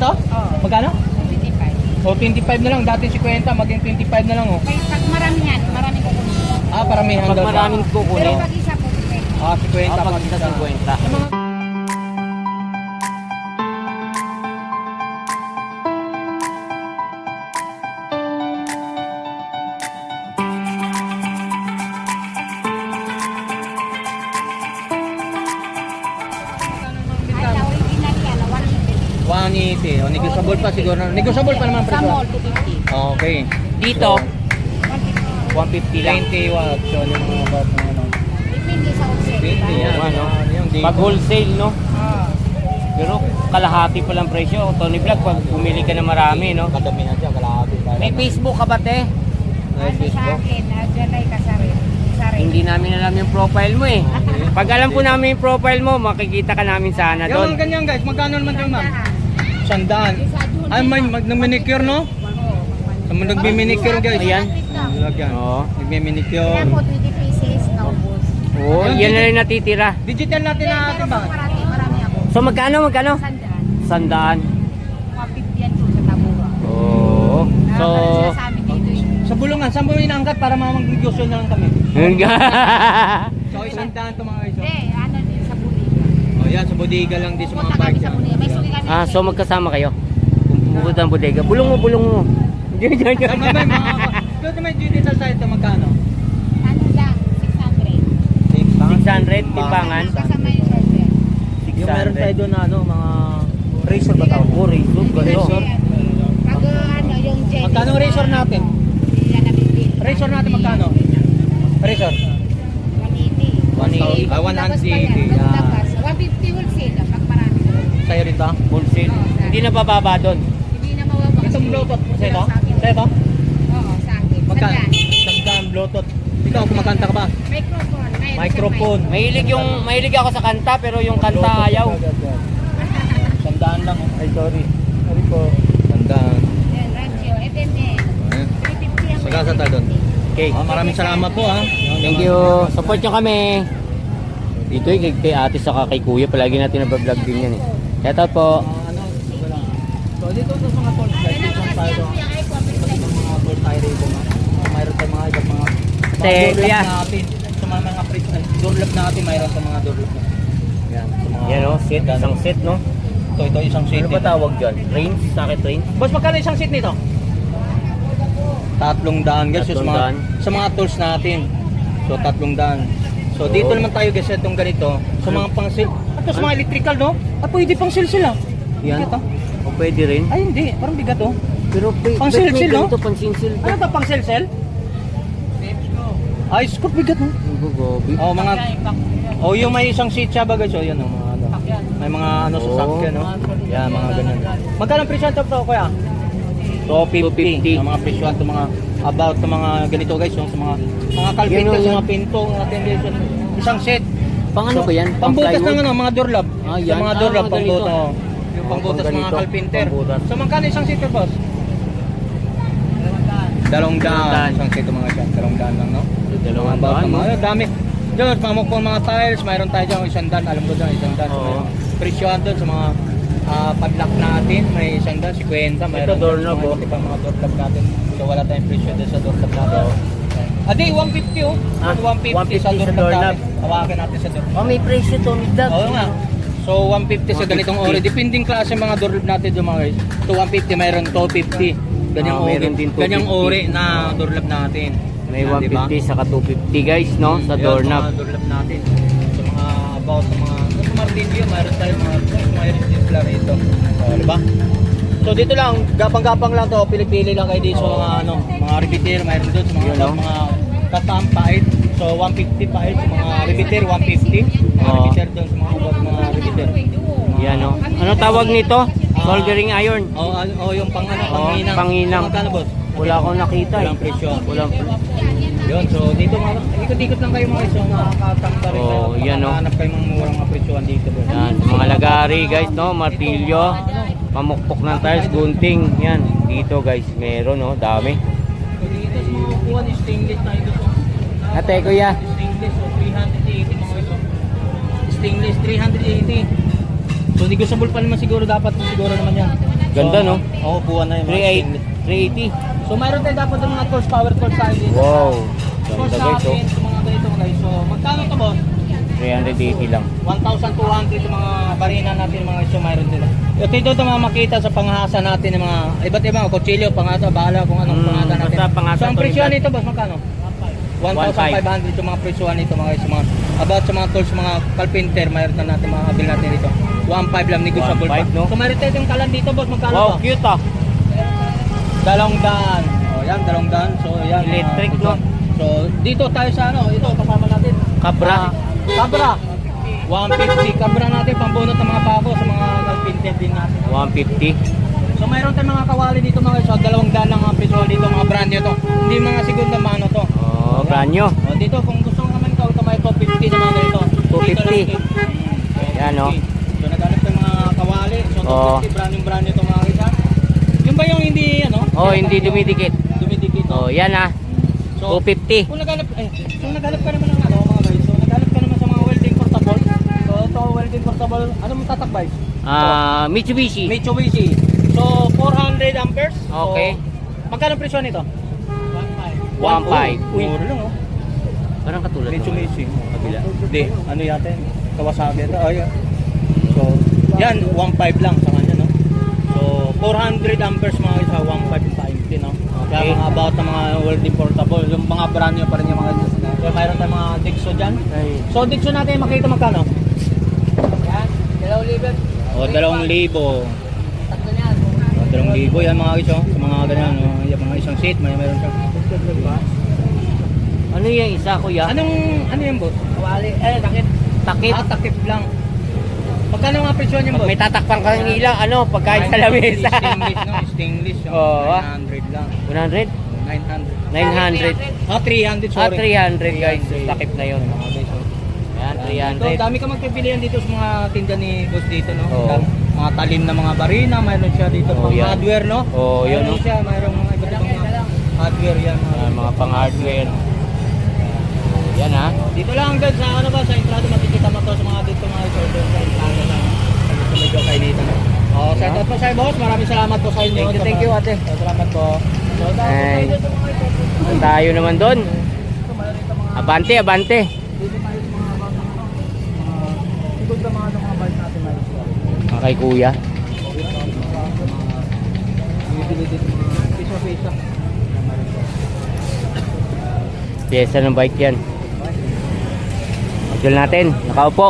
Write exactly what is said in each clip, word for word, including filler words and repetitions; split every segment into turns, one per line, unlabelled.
to?
Oo.
Magkano?
twenty-five.
O, twenty-five na lang. Dati fifty, maging twenty-five na lang, oh.
May pag marami yan, marami ko kunin.
Ah, paramihan
Pag
daw siya.
maraming
Pero
kukunin,
pag isa po, fifty.
Ah, fifty.
ah, pag isa fifty.
Ay, sa original yan, one eighty.
one eighty. O, negotiable pa siguro. Negotiable pa naman
Sa
presyo.
mall, two fifty.
Okay.
Dito,
one fifty.
one fifty lang.
twenty watts. So, yung mga bat ng ano.
Depende sa wholesale.
twenty
diba?
yan.
ano?
Ano yung dito?
Pag wholesale, no?
Oo.
Pero kalahati pa lang presyo. Tony Vlog, pag bumili ka na marami, no?
Kadamihan siya, kalahati.
May Facebook ka ba, te?
May
Ano sa
Facebook.
akin, uh, Jalay Kasari. Kasari.
Hindi namin alam yung profile mo, eh. Pag alam po namin yung profile mo, makikita ka namin sana
Yung
doon.
mga ganyan guys, magkano naman yung ma'am?
Sandahan.
Sandaan. Ay, may mag nag-manicure, no? Sa mga nagmi-manicure guys.
Ayan.
Lagyan.
Oo.
Nagmi-manicure.
Kaya po, twenty pieces, naubos.
Oo, yan na rin natitira.
Digital natin na atin
Pero
ba?
pag marami, marami ako.
So, magkano, magkano?
Sandaan.
Sandaan.
Mga fifty yan po sa Tabura.
Oo. So,
Nakakala sila sa amin dito eh.
Sa bulungan, saan mo inaangkat para mamag-negosyo na lang kami?
yun nga.
So, isang daan to mga guys.
Hindi, ano din sa Buliga.
Oh, yan, sa bodega lang din sa mga
Punta
park
kami sa
yan.
Buliga. May suki kami.
Ah, so magkasama kayo? Bukod ang bodega. Bulong mo, bulong mo. Diyan, diyan, diyan.
Tama ba yung mga... Doon may digital site to magkano?
Ano lang, six hundred.
six hundred, timbangan.
Kasama yung surfer.
Yung meron tayo doon na ano, mga... Razor ba tawag?
Oh, razor, gano'n.
Razor.
Pag uh, ano, yung jet.
Magkano ang razor natin?
Yan na bibili.
Razor natin magkano? Razor?
one eighty.
one eighty. Ah, one
Labas pa
eighty.
yan,
Yeah.
labas. one fifty wholesale pag marami.
Sa'yo rin to?
Wholesale. Hindi na bababa doon.
Hindi na mawawala.
Itong bluetooth mo sa'yo to?
Sa akin.
Sa'yo to?
Oo, sa akin.
Magkano?
Sandaan.
Sandaan bluetooth. Ikaw, kumakanta ka ba?
Microphone. Mayroon
Microphone.
Mahilig yung, mahilig ako sa kanta, pero yung kanta ayaw.
Sandaan lang. Ay, sorry. Sorry po. Sandaan.
Yan, radio, F M A.
Ayan.
three fifty ang
Sagasa tayo doon.
Okay.
Ah, maraming salamat po ha.
Thank you. Support nyo kami. Dito eh, kay, kay ate saka kay kuya. Palagi natin nabablog din yan eh. Shout out po.
Ah, ano, ito lang. So dito sa mga tolls guys, dito ang tayo doon. Sa mga tolls tayo rito. ah, Mayroon tayong mga ibang mga
Te,
mga door
kuya.
lock natin. Sa mga mga pre- ah, door lock natin, mayroon sa mga door lock. Yan, sa mga
Yan o, set. Isang set, no?
Ito, ito isang seat.
Ano ba
nito.
tawag dyan? Range? Sakit range?
Boss, magkano isang seat nito? Tatlong daan guys,
Tatlong
sa mga,
daan.
sa mga tools natin. So tatlong daan. So dito
Oo.
naman tayo guys, itong ganito. Sa mga pang seal. At sa mga electrical, no? At pwede pang seal sila.
Yan.
Bigat, ah.
O pwede rin.
Ay hindi, parang bigat oh.
Pero pwede.
Pang silsil, no?
Ito, pang silsil.
Ano to pang seal cell? Ay, scoop bigat no?
Ang gobi.
Oh, mga Oh, yung may isang seat siya ba guys? Oh, yan oh, mga ano. May mga ano sa
Oo.
sakyan, no? Yan, mga ganyan. Magkano ang presyo nito to, kuya? two fifty. Ang mga presyo to mga about sa mga ganito guys, yung sa mga mga carpenter,
Yan, oh,
sa
yan.
mga pinto, mga tendency. Isang set.
Pang ano ba yan? Pang
Pangbutas
plywood?
ng ano, mga door lock.
Ah,
Sa
yan.
mga door lock,
Ah,
pangbutas.
ganito.
Oh. Yung
Oh,
pangbutas
pang
ng mga
ganito,
carpenter.
pangbutas.
So, magkano isang seat boss? Dalawang daan.
daan.
Isang seat mga siya. Dalawang daan lang, no?
Dalawang
About
daan,
ng
no?
mga, dami. Diyan, pamukpong mga tiles, mayroon tayo dyan isang daan. Alam ko dyan, isang daan. So,
Oo.
may presyohan doon sa mga ah, padlock natin. May isang daan, fifty. Mayroon
doorknob,
doon
oh.
sa mga iba't ibang mga doorknob natin. So, wala tayong presyo doon sa doorknob natin. Adi, one fifty oh.
Ah,
one fifty sa
one fifty sa
doorknob
doorknob.
natin. Hawakin natin sa doorknob.
Oh, may presyo to. Dag.
Oo nga. So one fifty sa ganitong
one fifty.
ori. Depending klase mga doorknob natin doon mga guys. So one fifty mayroon two fifty. Ganyang
Ah,
ori,
mayroon din two
ganyang
fifty.
ori na doorknob natin.
May
Yan,
one fifty saka two fifty guys, no? Sa
Yun,
doorknob.
Mga doorknob natin. Sa mga about sa mga sa martilyo, mayroon tayo mga mga resistance rito. Oh, di ba? So dito lang, gapang-gapang lang to, pili-pili lang kayo dito sa mga ano, mga repeater, mayroon doon sa mga
Yun, no?
mga katam pahit. So one fifty pahit sa mga repeater, one fifty. Mga
Oo.
repeater doon sa mga about mga repeater.
Yan, no? Ano tawag nito? Soldering iron.
Oh, ano, oh, yung pang ano,
Oo,
panginang.
panginang.
Magkano boss?
Wala akong nakita eh.
Walang presyo.
Walang presyo.
Yun, so dito mga, ikot-ikot lang kayo mga iso, makakatangka rin kayo.
Oo, yan, no?
Makahanap kayo mga murang mga presyohan dito. boss.
Yan, mga lagari guys, no? Martilyo. Pamukpok ng tiles, gunting. Yan, dito guys, meron, no? Dami.
So dito sa mga upuan, stainless na ito. So,
Ate, kuya.
Stainless, so three eighty mga iso. Stainless, three eighty. So negotiable pa naman siguro, dapat siguro naman yan.
Ganda, no?
Oo, buwan na yung mga
three
stainless.
eighty.
So mayroon tayo dapat yung mga tools, power tools tayo dito.
Wow.
Tools
Ganda guys, oh.
natin, sa mga ganito guys. So magkano to boss?
three eighty lang.
one thousand two hundred yung mga barina natin mga guys. So mayroon dito. Ito ito ito mga makita sa pangasa natin ng mga iba't ibang kutsilyo, pangasa, bahala kung anong
Mm,
pangasa natin.
basta pangasa
So ang
to,
presyo
Brad.
nito boss, magkano? one thousand five hundred yung mga presyohan nito mga guys. Mga, about sa mga tools, mga carpenter, mayroon na natin mga kabil natin dito. one five lang, negotiable
one five,
pa.
no?
So mayroon tayo yung kalan dito boss, magkano
Wow,
to?
cute ah.
Dalawang daan. O yan, dalawang daan. So yan. mga
Electric,
presyon.
no?
So dito tayo sa ano, ito kasama natin.
Cabra.
Ah, Cabra. one fifty. Cabra natin, pambunot ng mga pako sa mga carpenter din natin.
one fifty.
So mayroon tayong mga kawali dito mga guys. So, dalawang daan lang ang presyo dito, mga brand new to. Hindi mga segunda mano to.
Oh, brand new.
O, dito kung gusto mo naman ito, ito may two fifty sa mga ganito.
two fifty.
Dito lang,
Yan, no?
So naghanap tayong mga kawali. So two
Oo.
fifty, brand new brand new to mga guys. ha? Yung ba yung hindi ano?
Oh, hindi dumidikit.
Dumidikit.
Oh, yan ah.
So,
two fifty.
Kung naghanap, eh, kung naghanap ka naman ng ano mga guys, so naghanap ka naman sa mga welding portable. So ito welding portable, ano mo tatakbay?
Ah, Mitsubishi.
Mitsubishi. So four hundred amperes. So,
Okay.
magkano presyo nito?
one five.
Uy, mura lang oh.
Parang katulad ng
Mitsubishi.
kabila.
Hindi, ano yata yun? Kawasaki ito. Oh, yeah. So, yan, one five lang sa kanya, no? So, four hundred amperes mga isa, one five times, no? Kaya
Okay.
mga about ng mga welding portable, yung mga brand new pa rin yung mga kaya mayroon tayong mga Dixo dyan.
Ay.
So, Dixo natin makita magkano?
Yan, dalawang libo.
O, dalawang libo.
Tatlo niyan.
O, dalawang libo yan mga iso. Sa mga ganyan, no? Yung mga isang seat, may mayroon siya.
Ano yung isa, kuya?
Anong, ano yung boss?
Kawali, eh, takip.
Takip.
Ah, takip lang. Magkano mga presyo niyan,
Pag
boss?
may tatakpan ka ng ilang, ano, pagkain sa lamesa.
Stainless, no? Stainless. Yung
Oo, ah.
nine hundred lang.
one hundred?
nine hundred.
nine hundred.
Ah, three hundred,
Ah,
sorry.
three hundred guys.
three hundred.
Takip na yun.
Mga guys, oh.
Yan, three
Ito,
hundred.
dami ka magpipilian dito sa mga tinda ni boss dito, no?
Oo.
Dam- Mga talim na mga barina, mayroon siya dito
Oo,
pang
yan.
hardware, no?
Oo, yun,
Mayroon
no?
siya, mayroon mga iba't ibang mga hardware yan. Mga,
Ah, mga pang hardware. Yan ha.
Dito lang guys, sa ano ba, sa entrada makikita mo to sa mga dito mga order sa entrada lang. Dito medyo kainita, no? Oh, shout out po sa iyo, boss. Maraming salamat po sa inyo.
Thank you, thank you, ate.
So, salamat po. So, tapos
Ay.
tayo sa mga ito.
Tayo naman doon.
Ito, mayroon ito mga
Abante, abante.
dito tayo sa mga about ng ano, mga sigod na mga ano, mga bike natin mayroon siya.
Mga kay kuya.
Bibili dito mga piso-piso.
Pyesa ng bike yan. Actual natin. Nakaupo.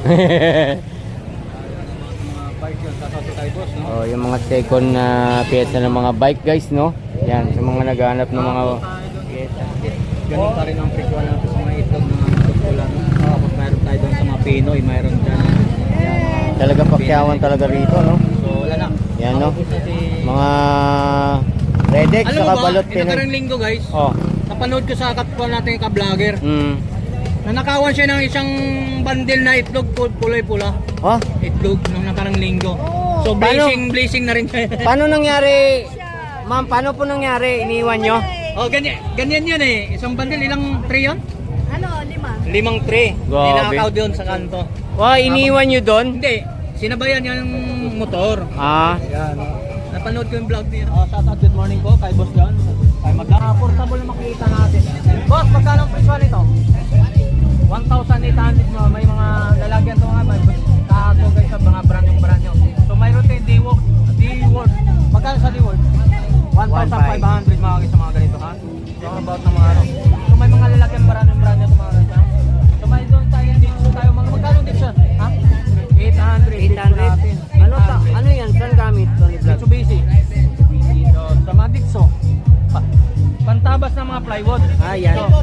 Mga bike yun, sasato tayo boss, no?
Oh, yung mga second na pyesa ng mga bike guys, no? Yan, sa mga naghahanap ng mga pyesa.
Ganun pa rin ang presyo natin sa mga itlog ng mga tutula, no? Tapos mayroon tayo doon sa mga Pinoy, mayroon dyan. Yan.
Talaga pakyawan talaga rito, no?
So wala na.
Yan, no?
Tapos na si-
Mga Redex
Alam
sa
mo ba,
kabalot
ito
Pinoy.
karang linggo guys,
Oh.
napanood ko sa kapwa natin ka-vlogger,
Mm.
nanakawan siya ng isang bandil na itlog, pul- pulay-pula.
Oh,
Itlog nung nakarang linggo. So
Paano?
blessing, blessing na rin siya.
paano nangyari? Ma'am, paano po nangyari? Iniwan nyo?
Oh, ganyan, ganyan yun eh. Isang bandil, ilang tray yun?
Ano, lima?
Limang tray.
Grabe.
Ninakaw doon sa kanto.
Oh, iniwan nyo doon?
Hindi, sinabayan niya yung motor.
Ah,
Yan. Napanood ko yung vlog niya. Oh, shout out, good morning po kay Boss John. Kay Magda. Ah, portable na makikita natin. Boss, magkano ang presyo nito? one thousand eight hundred mo. May mga lalagyan to nga. May kato guys sa mga brand yung brand nyo. So mayroon tayong D-Work. D-Work. Magkano sa D-Work? one thousand five hundred mga guys sa mga ganito ha. So about ng mga ano. So may mga lalagyan brand yung brand nyo sa mga ganito. So may doon tayo dito tayo. Mga magkano dito? Ha? eight hundred.
eight hundred. Ano ta? Ano yan? Saan gamit? Tony Vlog?
Mitsubishi. So, sa mga Dixo. Pa pantabas ng mga plywood.
Ah, yan.
So,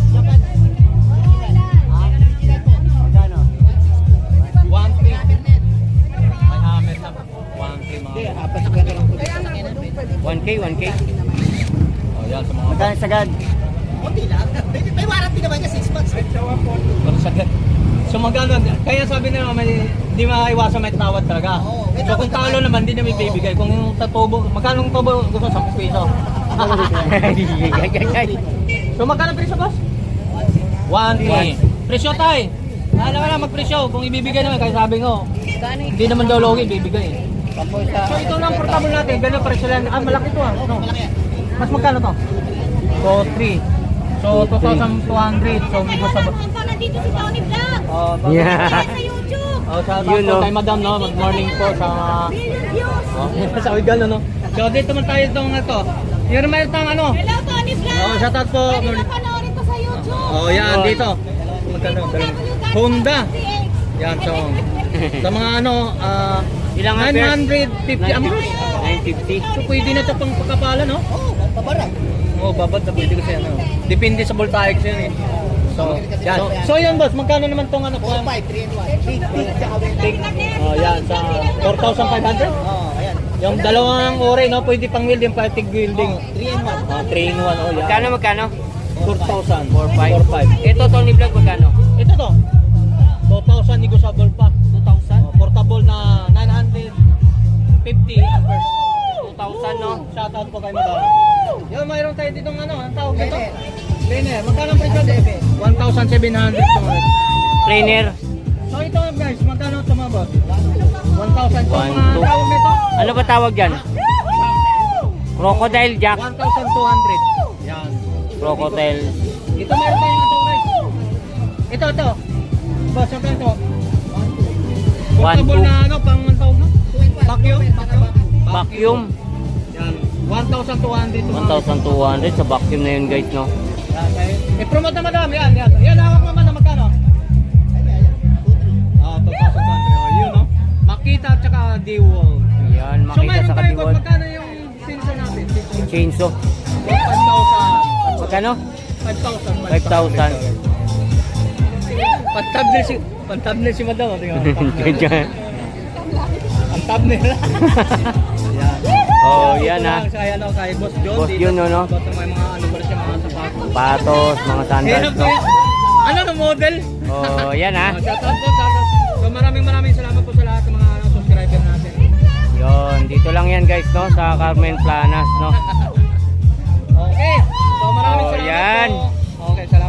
magkano? one three. May hammer na. one three mga.
one K, one K.
Oh, yan sa mga.
Magkano sagad?
May warranty naman niya, six months.
So magkano? Kaya sabi nila may di maiwasan may tawad talaga.
Oo, may
So
tawad
kung talo naman, di na may bibigay. Kung yung tatubo, magkano yung tubo? Gusto ten piso. So magkano presyo boss? one three. Presyo tay. Alam ka na magpresyo. Kung ibibigay naman, kaya sabi ko,
Gano'y
hindi naman daw logi, bibigay.
Tapos sa...
So ito lang portable natin, ganyan pa rin sila. Ah, malaki to ah. No. Mas magkano to? So, three. So, two thousand two hundred. So, may gusto ba?
Nandito si Tony Vlog.
Oh,
Yeah.
Sa YouTube.
Oh, sa
Yun,
po
no?
kay Madam, no? Good morning po sa mga...
Million views.
Oh, sa Uigal, no? So, dito man tayo itong ito. Yung naman itong ano?
Hello, Tony Vlog.
Oh, shout out po.
Pwede na panoorin ko sa YouTube.
Oh, yan, dito. Magkano? Honda. Yan, so... Sa mga ano, ah...
Ilang
nine
amperes?
hundred fifty amperes.
nine fifty.
So, pwede na ito pang pagkapala, no?
Oo, paparang.
Oo, oh, babad na pwede kasi ano. Depende sa voltaic yun eh. So, yan. So, so yan boss, magkano naman tong ano po?
four five, three and one. Big, big, tsaka big.
Oh, yan, sa four thousand five hundred?
Oo, ayan.
Yung dalawang ore, no? Pwede pang welding, pati welding.
three and one.
Oh, three in one, oh, yan.
Magkano, magkano?
four thousand.
four five.
four five.
Ito, Tony Vlog, magkano?
Ito to. two thousand negotiable pa. two thousand? Oh, portable na nine hundred fifty amperes.
two thousand, no?
Shout out po kay Madam. Yo, mayroon tayo dito ng ano, ang tawag dito?
Planer.
Planer. Magkano ang presyo? one thousand seven hundred to mga.
Trainer.
So ito guys, magkano ito mga boss? one thousand. So
One,
mga
two.
tawag nito?
Ano ba tawag dyan? Crocodile Jack.
one thousand two hundred. Yan.
Crocodile.
Ito mayroon tayong ito guys. Ito, ito. Boss, ito, ito. Portable
two.
na ano, pang ang tawag no? Vacuum.
Vacuum.
Yan. one thousand two hundred. to mga-
one thousand two hundred sa vacuum na yun, guys, no?
Yan, eh. I-promote na madami. Yan, yan. Yan, hawak naman na magkano? Ah, two thousand two hundred. Oh, yun, no? Makita at saka D-Wall.
Yan,
So,
makita
mayroon
sa
tayo, boss,
kadiwad.
magkano yung sensor natin?
Chainsaw.
five thousand.
Magkano?
five thousand.
five thousand.
Pag-thumbnail si, pag-thumbnail si madam. oh, tingnan mo, thumbnail.
Ganyan.
Ang thumbnail. Yan.
Oh,
Dito
yan,
lang
ha.
Sa, ano, kay Boss John.
Boss
dito.
John, no, no?
Dito may mga ano pa rin siya, mga sapatos.
Patos, mga sandals,
Hirap
no?
eh. Ano na model?
Oh, yan, ha.
Oh, shout out po, shout out. So maraming maraming salamat po sa lahat ng mga ano, subscriber natin.
Yun, dito lang yan, guys, no? Sa Carmen Planas, no?
Okay. So maraming
Oh,
salamat
yan.
po. Okay, salamat.